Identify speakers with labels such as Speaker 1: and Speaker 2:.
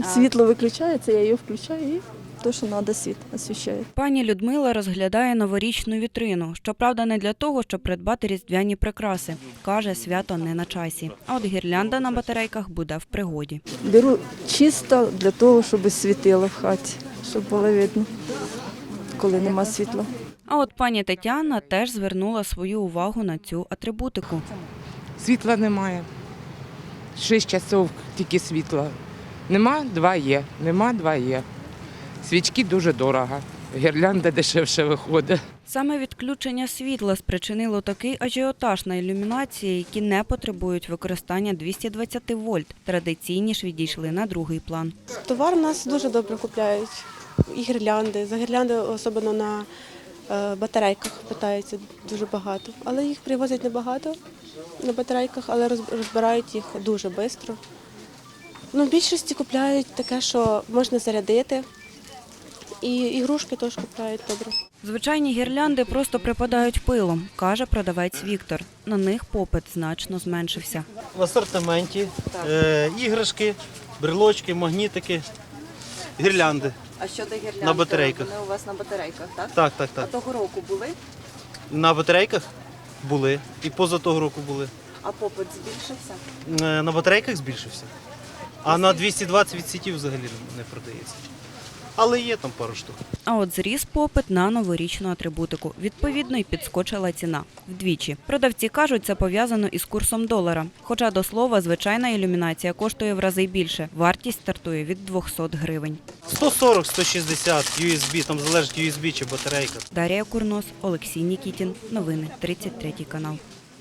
Speaker 1: Світло виключається, я її включаю і то, що треба, світ освіщає.
Speaker 2: Пані Людмила розглядає новорічну вітрину. Щоправда, не для того, щоб придбати різдвяні прикраси. Каже, свято не на часі. А от гірлянда на батарейках буде в пригоді.
Speaker 1: Беру чисто для того, щоб світило в хаті, щоб було видно, коли нема світла.
Speaker 2: А от пані Тетяна теж звернула свою увагу на цю атрибутику.
Speaker 3: Світла немає. 6 часов тільки світла. Нема – 2 є. Нема – 2 є. Свічки дуже дорого. Гірлянда дешевше виходить.
Speaker 2: Саме відключення світла спричинило такий ажіотаж на ілюмінації, які не потребують використання 220 вольт. Традиційні ж відійшли на другий план.
Speaker 4: Товар у нас дуже добре купляють. І гірлянди. За гірлянди, особливо на батарейках, питаються дуже багато. Але їх привозять небагато на батарейках, але розбирають їх дуже швидко. В більшості купляють таке, що можна зарядити. І ігрушки теж купляють добре.
Speaker 2: Звичайні гірлянди просто припадають пилом, каже продавець Віктор. На них попит значно зменшився.
Speaker 5: В асортименті іграшки, брелочки, магнітики, гірлянди.
Speaker 6: А щодо гірлянд,
Speaker 5: На батарейках.
Speaker 6: Вони у вас на батарейках, так?
Speaker 5: Так.
Speaker 6: А того року були,
Speaker 5: На батарейках були і поза того року були.
Speaker 6: а попит збільшився?
Speaker 5: На батарейках збільшився. А на 220 від сітів взагалі не продається. Але є там пару штук.
Speaker 2: А от зріс попит на новорічну атрибутику. Відповідно, й підскочила ціна. Вдвічі. Продавці кажуть, це пов'язано із курсом долара. Хоча, до слова, звичайна ілюмінація коштує в рази більше. Вартість стартує від 200 гривень.
Speaker 5: 140, 160 USB, там залежить USB чи батарейка.
Speaker 2: Дар'я Курнос, Олексій Нікітін. Новини 33 канал.